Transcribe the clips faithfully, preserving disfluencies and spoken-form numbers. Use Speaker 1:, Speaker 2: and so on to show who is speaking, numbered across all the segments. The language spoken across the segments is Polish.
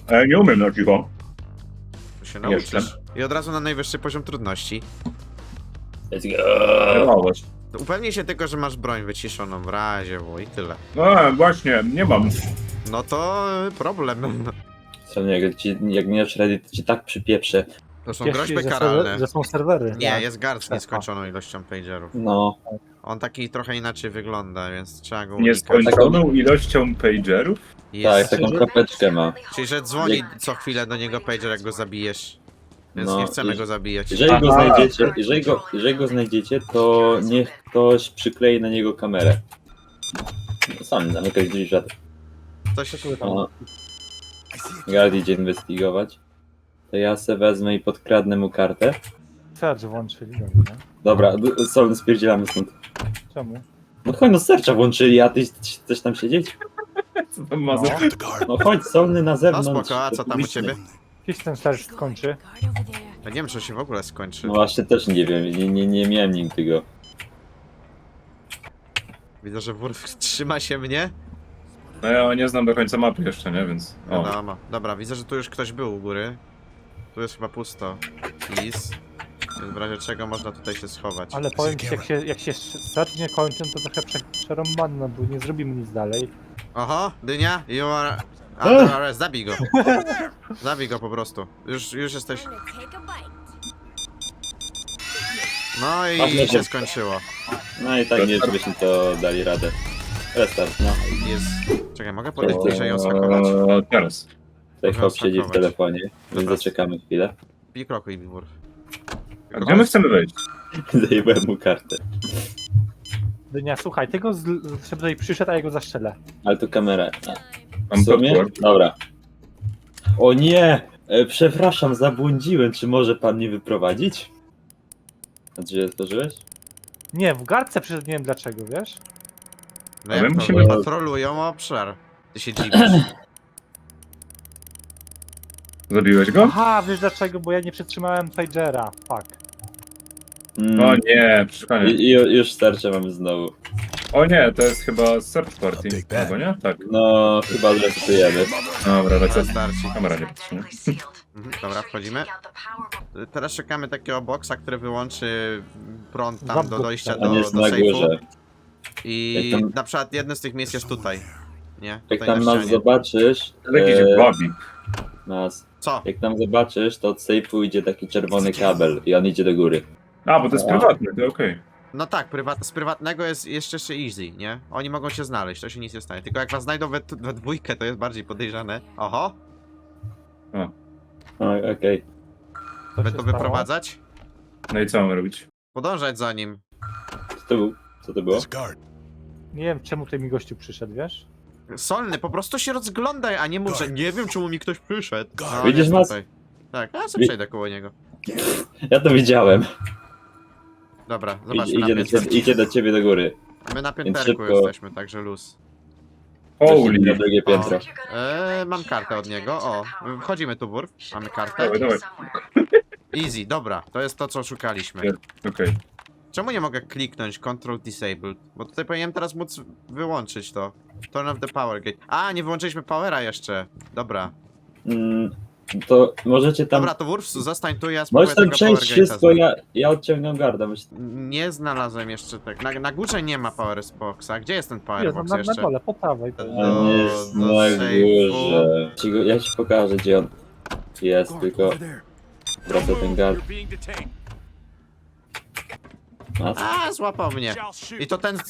Speaker 1: E, nie umiem na cicho.
Speaker 2: To się nauczysz. I od razu na najwyższy poziom trudności.
Speaker 3: Let's go.
Speaker 1: Wydawałoś.
Speaker 2: To upewnij się tylko, że masz broń wyciszoną w razie, bo i tyle.
Speaker 1: No właśnie, nie mam.
Speaker 2: No to y, problem.
Speaker 3: Co nie, jak, ci, jak nie dasz rady, to ci tak przypieprzę.
Speaker 2: To są
Speaker 4: Ciesz się,
Speaker 2: groźby
Speaker 4: że
Speaker 2: karalne.
Speaker 4: serwer- Że są serwery.
Speaker 2: Nie,
Speaker 4: Tak.
Speaker 2: jest guard z
Speaker 4: Strefa.
Speaker 2: nieskończoną ilością pagerów.
Speaker 3: No,
Speaker 2: On taki trochę inaczej wygląda, więc trzeba go unikać.
Speaker 1: Nieskończoną ilością pagerów?
Speaker 3: tak,
Speaker 2: Jest.
Speaker 3: taką kropeczkę ma.
Speaker 2: Czyli, że dzwoni co chwilę do niego pager, jak go zabijesz. Więc
Speaker 3: No,
Speaker 2: nie chcemy
Speaker 3: i-
Speaker 2: go zabijać.
Speaker 3: Jeżeli go
Speaker 1: Aha.
Speaker 3: znajdziecie, jeżeli go, jeżeli go znajdziecie, to niech ktoś przyklei na niego kamerę. No, sam zamykać drzwi żadne.
Speaker 2: Coś
Speaker 3: O, Guard idzie inwestygować. To ja se wezmę i podkradnę mu kartę.
Speaker 4: Search włączyli, dobra.
Speaker 3: Dobra, d- Sol, spierdzielamy stąd.
Speaker 4: Czemu?
Speaker 3: No chodź, no sercza włączyli, a ty chcesz tam siedzieć?
Speaker 1: Co tam ma
Speaker 4: No.
Speaker 1: za...
Speaker 3: No chodź, Solny na
Speaker 2: No
Speaker 3: zewnątrz.
Speaker 2: spoko, a co tam u ciebie?
Speaker 4: Kiedy ten search skończy?
Speaker 2: Ja nie wiem, czy się w ogóle skończy.
Speaker 3: No właśnie też nie wiem, nie, nie, nie miałem nim tego.
Speaker 2: Widzę, że Wurf trzyma się mnie.
Speaker 1: No ja nie znam do końca mapy jeszcze, nie? Więc... O.
Speaker 2: Wiadomo. Dobra, widzę, że tu już ktoś był u góry. Tu jest chyba pusto. Lis. Więc w razie czego można tutaj się schować.
Speaker 4: Ale powiem ci, jak się, jak się search nie kończy, to trochę prze- przerąbane, no bo nie zrobimy nic dalej.
Speaker 2: Oho, dynia, you are under arrest. Zabij go. Zabij go po prostu. Już, już jesteś... No i
Speaker 3: Ważne,
Speaker 2: się
Speaker 3: że-
Speaker 2: skończyło.
Speaker 3: No i tak nie, żebyśmy to dali radę. Restart, no.
Speaker 2: Jest... Czekaj, mogę podejść bliżej i ją schakować?
Speaker 1: Eee, teraz.
Speaker 3: Tutaj
Speaker 2: Można
Speaker 3: hop siedzi w
Speaker 2: schakować.
Speaker 3: telefonie, więc
Speaker 2: Dobra.
Speaker 3: zaczekamy chwilę.
Speaker 2: Pij krokuj, Wurf.
Speaker 1: A gdzie my chcemy wejść?
Speaker 3: Zajebałem mu kartę.
Speaker 4: Dynia, słuchaj, tego z, żeby tutaj przyszedł, a ja go zaszczelę.
Speaker 3: Ale tu kamera. A,
Speaker 1: Mam
Speaker 3: w sumie?
Speaker 1: podpór.
Speaker 3: Dobra. O nie! E, przepraszam, zabłądziłem. Czy może pan mnie wyprowadzić? A drzwi otworzyłeś?
Speaker 4: Nie, w gardce przyszedł, nie wiem dlaczego, wiesz?
Speaker 2: No
Speaker 1: A
Speaker 2: jak
Speaker 1: my
Speaker 2: to?
Speaker 1: musimy-
Speaker 2: Patrolują obszar. Ty się dziwisz.
Speaker 1: Zabiłeś go?
Speaker 4: Aha, wiesz dlaczego, bo ja nie przytrzymałem pagera, fuck.
Speaker 3: Mm.
Speaker 1: O nie, przeszukanie.
Speaker 3: I, i już starcze mamy znowu.
Speaker 1: O nie, to jest chyba search party. Albo nie? Tak.
Speaker 3: No, chyba zresetujemy.
Speaker 1: Dobra, lecę.
Speaker 2: Starci.
Speaker 1: Kamera nie patrzy, nie?
Speaker 2: Mhm, dobra, wchodzimy. Teraz szukamy takiego boksa, który wyłączy prąd tam do
Speaker 4: Zabudka.
Speaker 2: dojścia
Speaker 3: On
Speaker 2: do,
Speaker 3: jest
Speaker 2: do
Speaker 3: na
Speaker 2: sejfu.
Speaker 3: górze.
Speaker 2: I
Speaker 3: Jak tam-
Speaker 2: na przykład jedno z tych miejsc jest tutaj. Nie?
Speaker 3: Jak
Speaker 2: Tutaj
Speaker 3: tam
Speaker 2: na
Speaker 3: nas
Speaker 2: ścianie.
Speaker 3: zobaczysz,
Speaker 1: To jakiś
Speaker 3: e,
Speaker 1: babi.
Speaker 3: nas,
Speaker 2: Co?
Speaker 3: jak tam zobaczysz, to od sejfu idzie taki czerwony kabel i on idzie do góry.
Speaker 1: A, bo to jest prywatne, to okej.
Speaker 2: No tak, prywat, z prywatnego jest jeszcze jeszcze easy, nie? Oni mogą cię znaleźć, to się nic nie stanie. Tylko jak was znajdą we, we dwójkę, to jest bardziej podejrzane. Oho,
Speaker 3: O, okej.
Speaker 4: Co się
Speaker 2: będą
Speaker 4: stało?
Speaker 2: wyprowadzać?
Speaker 1: No i co mamy robić?
Speaker 2: Podążać za nim.
Speaker 3: Co to był? Co to było?
Speaker 4: Nie wiem czemu tutaj mi gościu przyszedł, wiesz?
Speaker 2: Solny, po prostu się rozglądaj, a nie mów, że nie wiem czemu mi ktoś przyszedł. No,
Speaker 3: Widzisz
Speaker 2: jest
Speaker 3: nas?
Speaker 2: tutaj. Tak, a ja sobie
Speaker 3: Wi-
Speaker 2: przejdę koło niego.
Speaker 3: Ja to widziałem.
Speaker 2: Dobra,
Speaker 3: Idzie,
Speaker 2: zobaczmy
Speaker 3: idzie,
Speaker 2: na
Speaker 3: do ciebie, idzie do ciebie do góry.
Speaker 2: My na
Speaker 3: Więc
Speaker 2: pięterku
Speaker 3: szybko.
Speaker 2: jesteśmy, także luz.
Speaker 3: Na
Speaker 1: Holy.
Speaker 3: drugie piętro.
Speaker 2: Eee, mam kartę od niego, o. Wchodzimy tu, Wurf. Mamy kartę.
Speaker 1: Dawaj, dawaj.
Speaker 2: Easy, dobra, to jest to, co szukaliśmy.
Speaker 1: Okej.
Speaker 2: Czemu nie mogę kliknąć Control Disabled? Bo tutaj powinienem teraz móc wyłączyć to. Turn off the power gate. A, nie wyłączyliśmy powera jeszcze. Dobra.
Speaker 3: Mm, to możecie tam...
Speaker 2: Dobra, to Wurf, zostań tu, ja spróbuję
Speaker 3: Możesz tam
Speaker 2: tego
Speaker 3: przejść
Speaker 2: power gate'a
Speaker 3: wszystko,
Speaker 2: znaleźć.
Speaker 3: ja, ja odciągam garda. Myślę,
Speaker 2: Nie znalazłem jeszcze tak. Na, na górze nie ma power boxa. Gdzie jest ten power
Speaker 4: Jest,
Speaker 2: box
Speaker 4: na, na
Speaker 2: jeszcze?
Speaker 4: dole, po prawej.
Speaker 2: Do-
Speaker 3: on jest
Speaker 2: do
Speaker 3: na
Speaker 2: sejfu.
Speaker 3: górze. Ci go- Ja ci pokażę, gdzie on jest, tylko wraca ten gard. Mas,
Speaker 2: A, złapał mnie. I to ten...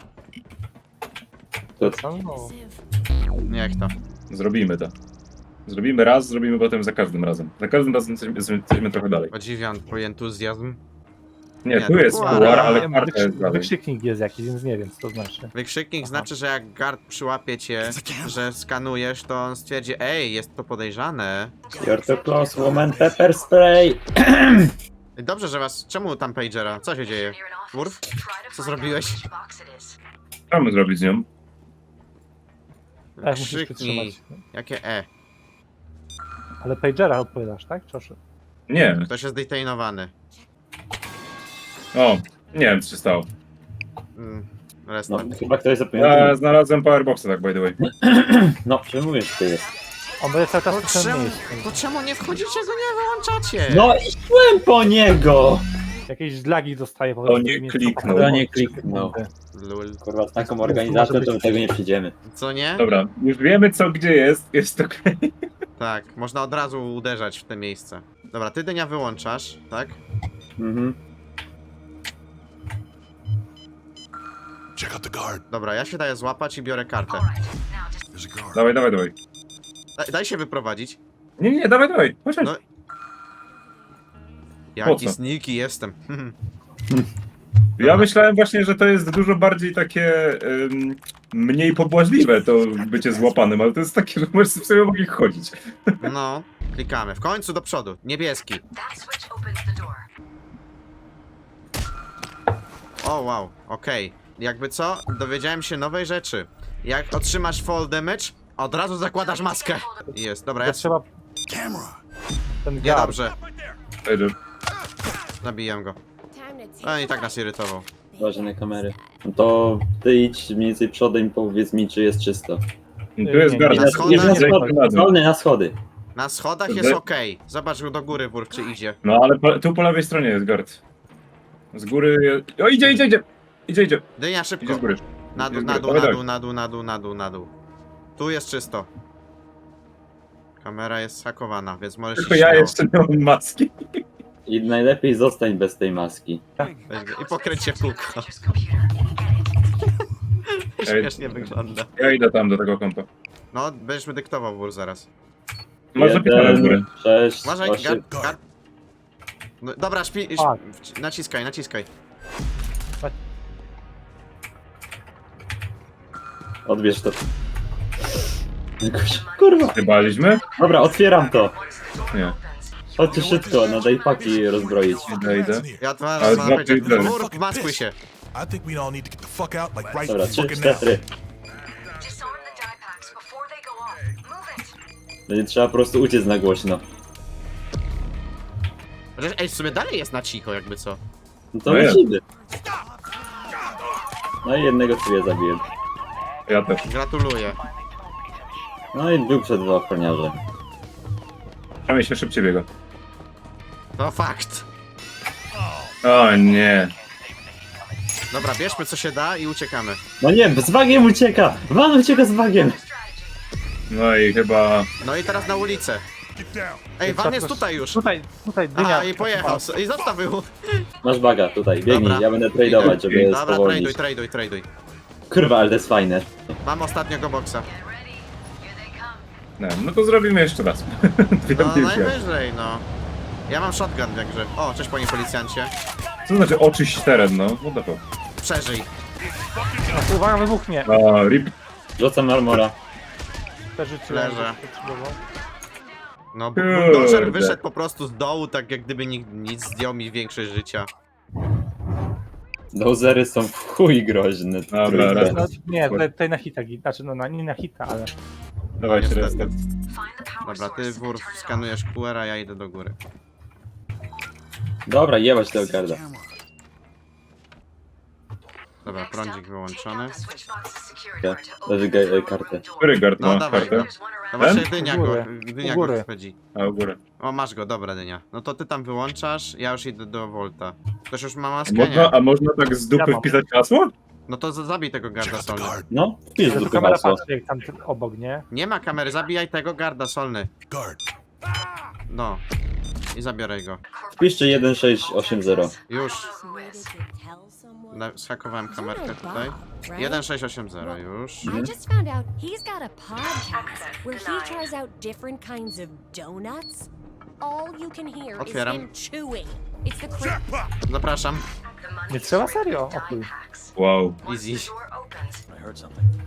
Speaker 3: to,
Speaker 4: No,
Speaker 2: Niech to.
Speaker 1: Zrobimy to. Zrobimy raz, zrobimy potem za każdym razem. Za każdym razem jesteśmy, jesteśmy trochę dalej.
Speaker 2: Podziwiam twój entuzjazm.
Speaker 1: Nie,
Speaker 2: Nie,
Speaker 1: tu
Speaker 2: to
Speaker 1: jest
Speaker 2: puar,
Speaker 1: puar,
Speaker 2: a-
Speaker 1: ale
Speaker 4: wiem,
Speaker 1: karta jest
Speaker 4: wykrzyk,
Speaker 1: dalej.
Speaker 4: wykrzyknik jest jakiś, więc nie wiem co to znaczy.
Speaker 2: Wykrzyknik
Speaker 4: Aha.
Speaker 2: znaczy, że jak guard przyłapie cię, że skanujesz, to on stwierdzi, ej, jest to podejrzane.
Speaker 3: you're too close, woman, pepper spray!
Speaker 2: Dobrze, że was... Czemu tam pagera? Co się dzieje? Wurf? Co zrobiłeś?
Speaker 1: Co mamy zrobić z nią?
Speaker 4: Tak, musisz
Speaker 2: Krzyknij.
Speaker 4: przytrzymać.
Speaker 2: Jakie E?
Speaker 4: Ale pagera odpowiadasz, tak? Czoszy.
Speaker 1: Nie.
Speaker 2: Ktoś jest detainowany.
Speaker 1: O, nie wiem co się stało.
Speaker 2: Mm,
Speaker 3: No,
Speaker 2: restart.
Speaker 3: chyba ktoś
Speaker 1: Ja
Speaker 3: zapomniał.
Speaker 1: znalazłem powerboxa, tak by the way.
Speaker 3: No, przemówisz, ty jest.
Speaker 4: On będzie cały czas
Speaker 2: To
Speaker 4: w tym
Speaker 2: czemu,
Speaker 4: miejscu.
Speaker 2: to czemu nie wchodzicie, go nie wyłączacie?
Speaker 3: No i szłem po niego!
Speaker 4: Jakieś zlagi dostaje po
Speaker 1: To
Speaker 4: prostu.
Speaker 1: nie
Speaker 4: nie-
Speaker 1: kliknął.
Speaker 3: To nie kliknął.
Speaker 2: Lul.
Speaker 3: Kurwa, z taką organizacją to my tego nie przyjdziemy.
Speaker 2: Co nie?
Speaker 1: Dobra, już wiemy co gdzie jest, jest okej.
Speaker 2: Tak, można od razu uderzać w te miejsce. Dobra, ty dynia wyłączasz, tak?
Speaker 3: Mhm.
Speaker 5: Check out the guard.
Speaker 2: Dobra, ja się daję złapać i biorę kartę.
Speaker 5: There's a guard.
Speaker 1: Dawaj, dawaj, dawaj.
Speaker 2: Daj, daj się wyprowadzić.
Speaker 1: Nie, nie, dawaj, dawaj. Chodź, chodź.
Speaker 2: No.
Speaker 1: Po
Speaker 2: Jaki
Speaker 1: co?
Speaker 2: sneaky jestem.
Speaker 1: Ja
Speaker 2: Dobra.
Speaker 1: myślałem właśnie, że to jest dużo bardziej takie ym, mniej pobłażliwe to bycie złapanym, ale to jest takie, że możesz sobie mogli chodzić.
Speaker 2: No, klikamy. W końcu do przodu. Niebieski.
Speaker 6: That switch opens the door.
Speaker 2: O, wow, okej. Jakby co, dowiedziałem się nowej rzeczy. Jak otrzymasz fall damage, od razu zakładasz maskę. Jest, dobra, ja
Speaker 4: To trzeba
Speaker 5: Camera.
Speaker 4: ten
Speaker 2: Nie
Speaker 4: gard.
Speaker 2: dobrze.
Speaker 1: Pager.
Speaker 2: Zabiję go. A i tak nas irytował.
Speaker 3: Uważaj na kamery. No to ty idź mniej więcej przodem i powiedz mi, czy jest czysto.
Speaker 1: Tu jest
Speaker 4: nie,
Speaker 1: garda.
Speaker 2: nie,
Speaker 3: Na,
Speaker 2: schody,
Speaker 3: nie, na
Speaker 2: nie,
Speaker 3: schody,
Speaker 1: na dół.
Speaker 3: wolny na schody.
Speaker 2: Na schodach
Speaker 1: Dobrze.
Speaker 2: jest okej. Zobacz do góry, wór, czy idzie.
Speaker 1: No ale po, tu po lewej stronie jest gard. Z góry... O, idzie, idzie, idzie! Idzie, idzie.
Speaker 2: Dynia
Speaker 1: Idzie
Speaker 2: szybko.
Speaker 1: z góry.
Speaker 2: Na dół,
Speaker 1: Idzie z
Speaker 2: na
Speaker 1: góry.
Speaker 2: dół,
Speaker 1: Dawaj,
Speaker 2: na
Speaker 1: dawaj.
Speaker 2: dół, na dół, na dół, na dół, na dół. Tu jest czysto. Kamera jest hakowana, więc możesz
Speaker 1: Tylko
Speaker 2: iść
Speaker 1: ja
Speaker 2: śmiało.
Speaker 1: jeszcze nie mam maski.
Speaker 3: I najlepiej zostań bez tej maski.
Speaker 2: Weź go I pokręć się w kółko.
Speaker 6: Manager's computer. Edit.
Speaker 2: Śmiesznie wygląda.
Speaker 1: Ja idę tam do tego kompa.
Speaker 2: No, będziesz mi dyktował wór zaraz.
Speaker 1: Masz zapisane z góry.
Speaker 3: Jeden, sześć,
Speaker 2: Uważaj,
Speaker 3: osiem.
Speaker 2: gar, gar... No, dobra, szpi...
Speaker 4: Tak.
Speaker 2: szp- naciskaj, naciskaj.
Speaker 3: Odbierz to. Jakoś, kurwa.
Speaker 1: Chybaliśmy?
Speaker 3: Dobra, otwieram to.
Speaker 1: Nie.
Speaker 3: Chodźcie szybko, na daypaki rozbroić.
Speaker 1: Idę, idę.
Speaker 2: Ja
Speaker 1: Ale
Speaker 2: teraz mam
Speaker 1: dwa
Speaker 2: powiedzieć,
Speaker 1: pierdolę.
Speaker 2: wór, wmaskuj się.
Speaker 5: I think we all need to get the fuck out like right
Speaker 3: Dobra, trzy,
Speaker 5: fucking now.
Speaker 3: cztery.
Speaker 6: Disarm the die packs before they go off. Move it.
Speaker 3: Będzie trzeba po prostu uciec na głośno.
Speaker 2: Chociaż, ej, w sumie dalej jest na cicho, jakby co.
Speaker 3: No to
Speaker 1: No jest.
Speaker 3: lecimy. No i jednego sobie zabiję.
Speaker 1: Ja też.
Speaker 2: Gratuluję.
Speaker 3: No i był przed dwa ochroniarze.
Speaker 1: Przynajmniej się szybciej biega.
Speaker 2: To fakt.
Speaker 1: O nie.
Speaker 2: Dobra, bierzmy co się da i uciekamy.
Speaker 3: No nie, z bagiem ucieka! Van ucieka z bagiem!
Speaker 1: No i chyba...
Speaker 2: No i teraz na ulicę.
Speaker 5: Get down.
Speaker 2: Ej, van jest tutaj już.
Speaker 4: Tutaj, tutaj dynia.
Speaker 2: A, i pojechał. I zostawił.
Speaker 3: Masz baga tutaj, biegnij,
Speaker 2: Dobra.
Speaker 3: ja będę tradeować, żeby
Speaker 2: Dobra, traduj,
Speaker 3: spowolnić.
Speaker 2: traduj, traduj.
Speaker 3: Kurwa, ale to jest fajne.
Speaker 2: Mam ostatniego boksa.
Speaker 6: Get ready. Here they come.
Speaker 1: Nie, no to zrobimy jeszcze raz. Dwie
Speaker 2: No
Speaker 1: piłki.
Speaker 2: najwyżej, no. Ja mam shotgun w grze. O, cześć panie policjancie.
Speaker 1: Co znaczy oczyść teren, no? What the fuck?
Speaker 2: Przeżyj.
Speaker 4: No, uwaga, wybuchnie.
Speaker 1: A, rip.
Speaker 3: Rzucam armora.
Speaker 4: Te życie.
Speaker 2: Leżę. No,
Speaker 1: Kurde.
Speaker 2: bulldozer wyszedł po prostu z dołu, tak jak gdyby nic, nic zdjął mi większość życia.
Speaker 3: Dozery są w chuj groźne.
Speaker 1: Dobra,
Speaker 3: trójkę.
Speaker 1: raz.
Speaker 4: No, nie, tutaj, tutaj na hita, gi- znaczy no na, nie na hita, ale
Speaker 1: Dawajcie
Speaker 2: Niestety.
Speaker 1: restart.
Speaker 6: Find the power
Speaker 2: Dobra, ty
Speaker 6: source
Speaker 2: wór
Speaker 6: and turn it
Speaker 2: skanujesz Q R, a ja idę do góry.
Speaker 3: Dobra, jebać tego garda.
Speaker 5: Camera.
Speaker 2: Dobra,
Speaker 6: Next
Speaker 2: prądzik
Speaker 6: up,
Speaker 2: wyłączony.
Speaker 6: take down the switch box's security
Speaker 3: Ja,
Speaker 6: guard to
Speaker 3: leży
Speaker 6: open the
Speaker 3: ga-
Speaker 6: door
Speaker 3: kartę.
Speaker 6: door.
Speaker 1: Który guard
Speaker 2: No,
Speaker 1: ma
Speaker 2: dawaj
Speaker 1: kartę?
Speaker 2: go.
Speaker 6: There's one around
Speaker 2: No
Speaker 1: Ten?
Speaker 2: właśnie dynia
Speaker 4: U
Speaker 2: go,
Speaker 4: góry.
Speaker 2: dynia
Speaker 4: U
Speaker 2: go
Speaker 4: góry.
Speaker 2: wchodzi.
Speaker 1: A, u góry.
Speaker 2: O, masz go, dobra dynia. No to ty tam wyłączasz, ja już idę do Volta. Ktoś już ma
Speaker 1: A
Speaker 2: maskę,
Speaker 1: można,
Speaker 2: nie?
Speaker 1: a można tak z dupy
Speaker 4: Ja mam.
Speaker 1: wpisać hasło?
Speaker 2: No to za- zabij tego
Speaker 5: Check
Speaker 2: garda
Speaker 5: out the
Speaker 2: solny.
Speaker 5: guard.
Speaker 3: No, wpisz
Speaker 4: ale
Speaker 3: do
Speaker 4: to kamera
Speaker 3: hasło.
Speaker 4: patrzy jak tam ten obok, nie?
Speaker 2: Nie ma kamery, zabijaj tego garda solny.
Speaker 5: Guard.
Speaker 2: No. I zabiorę go.
Speaker 3: Wpiszcie jeden sześć osiem zero.
Speaker 2: Już.
Speaker 7: Needed to tell someone?
Speaker 2: Na- Zhakowałem kamerkę
Speaker 7: You're
Speaker 2: tutaj.
Speaker 7: Bob, right?
Speaker 2: jeden sześć osiem zero już.
Speaker 7: I just found out he's got a podcast where he tries out different kinds of donuts. All you can hear
Speaker 2: Otwieram.
Speaker 7: is him chewing. It's the cra-
Speaker 5: Jackpot.
Speaker 2: Zapraszam.
Speaker 6: The money
Speaker 4: Nie trzeba
Speaker 6: source
Speaker 4: serio,
Speaker 6: and
Speaker 4: o chuj.
Speaker 6: die packs.
Speaker 1: Wow.
Speaker 6: Once
Speaker 2: Easy.
Speaker 6: the door opens,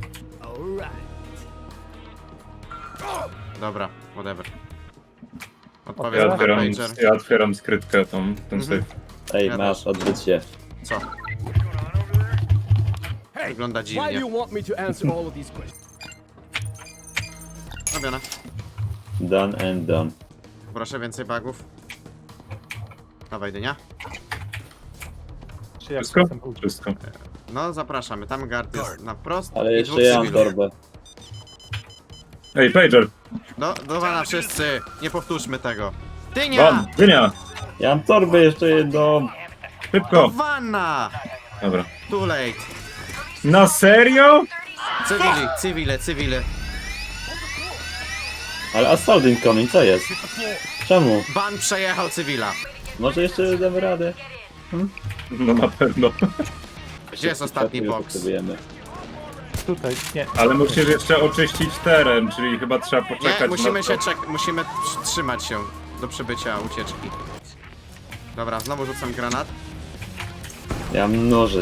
Speaker 2: Dobra, whatever.
Speaker 1: Ja
Speaker 2: Odpowiedz na
Speaker 1: otwieram,
Speaker 2: pager.
Speaker 1: ja otwieram skrytkę tą, ten
Speaker 2: Mhm.
Speaker 1: safe.
Speaker 3: Ej,
Speaker 2: Ja
Speaker 3: masz,
Speaker 2: też.
Speaker 3: odwróć się.
Speaker 2: Co? Wygląda
Speaker 8: Why do
Speaker 2: dziwnie.
Speaker 8: you want me to answer all of these questions?
Speaker 2: Robione.
Speaker 3: Done and done.
Speaker 2: Proszę więcej bugów. Dawaj dynia.
Speaker 4: Czy jak
Speaker 1: Wszystko?
Speaker 4: jestem u-
Speaker 1: Wszystko.
Speaker 2: No zapraszamy, tam guard jest na prost
Speaker 3: Ale
Speaker 2: i
Speaker 3: jeszcze
Speaker 2: dwóch
Speaker 3: ja mam
Speaker 2: cywilów.
Speaker 3: torbę.
Speaker 1: Ej, pager!
Speaker 2: Do, do wana wszyscy, nie powtórzmy tego.
Speaker 1: Van,
Speaker 2: Dynia!
Speaker 1: dynia!
Speaker 3: Ja mam torbę jeszcze jedną.
Speaker 2: Do
Speaker 1: Szybko!
Speaker 2: wana!
Speaker 1: Dobra.
Speaker 2: Too late.
Speaker 1: Na serio?
Speaker 2: Cywili, cywile, cywile.
Speaker 3: Ale assault incoming, co jest? Czemu?
Speaker 2: Ban przejechał cywila.
Speaker 3: Może jeszcze damy radę?
Speaker 1: No na pewno.
Speaker 2: Gdzie jest ostatni
Speaker 3: Już
Speaker 2: box?
Speaker 3: potrzebujemy.
Speaker 4: Tutaj, nie.
Speaker 1: Ale musisz jeszcze oczyścić teren, czyli chyba trzeba poczekać
Speaker 2: Nie, musimy
Speaker 1: na
Speaker 2: się
Speaker 1: to.
Speaker 2: czek musimy tr- trzymać się do przybycia ucieczki. Dobra, znowu rzucam granat.
Speaker 3: Ja mam noże.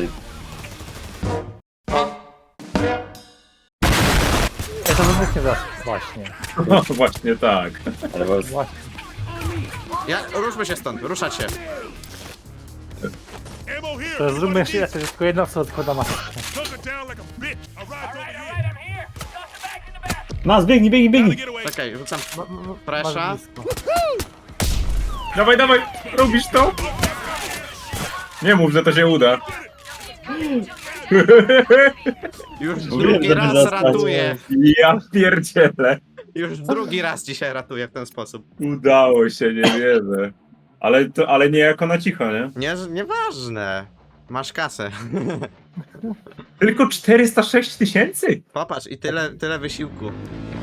Speaker 4: Ja to wybuchnie zaraz. Właśnie.
Speaker 1: No właśnie tak.
Speaker 3: Ale was...
Speaker 4: Właśnie.
Speaker 2: Ja, ruszmy się stąd, ruszać się.
Speaker 5: Ammo here.
Speaker 4: To zróbmy jeszcze raz, że tylko jedna osoba odkłada maskę.
Speaker 5: Tuck it down like a bitch. I'll ride over here.
Speaker 3: Mas, biegnij, biegnij,
Speaker 5: Gotta
Speaker 3: biegnij!
Speaker 5: get away.
Speaker 2: Czekaj, rzucam
Speaker 4: No, no, no,
Speaker 2: presza.
Speaker 4: masz blisko.
Speaker 1: Dawaj, dawaj! Robisz to? Nie mów, że to się uda.
Speaker 2: Już
Speaker 3: Mówiłem,
Speaker 2: drugi
Speaker 3: żeby
Speaker 2: raz
Speaker 3: zostać.
Speaker 2: ratuję.
Speaker 1: Ja pierdzielę.
Speaker 2: Już drugi raz dzisiaj ratuję w ten sposób.
Speaker 1: Udało się, nie wierzę. Ale, to, ale nie jako na cicho, nie?
Speaker 2: Nie, nieważne. Masz kasę.
Speaker 1: Tylko czterysta sześć tysięcy?
Speaker 2: Popatrz, i tyle, tyle wysiłku.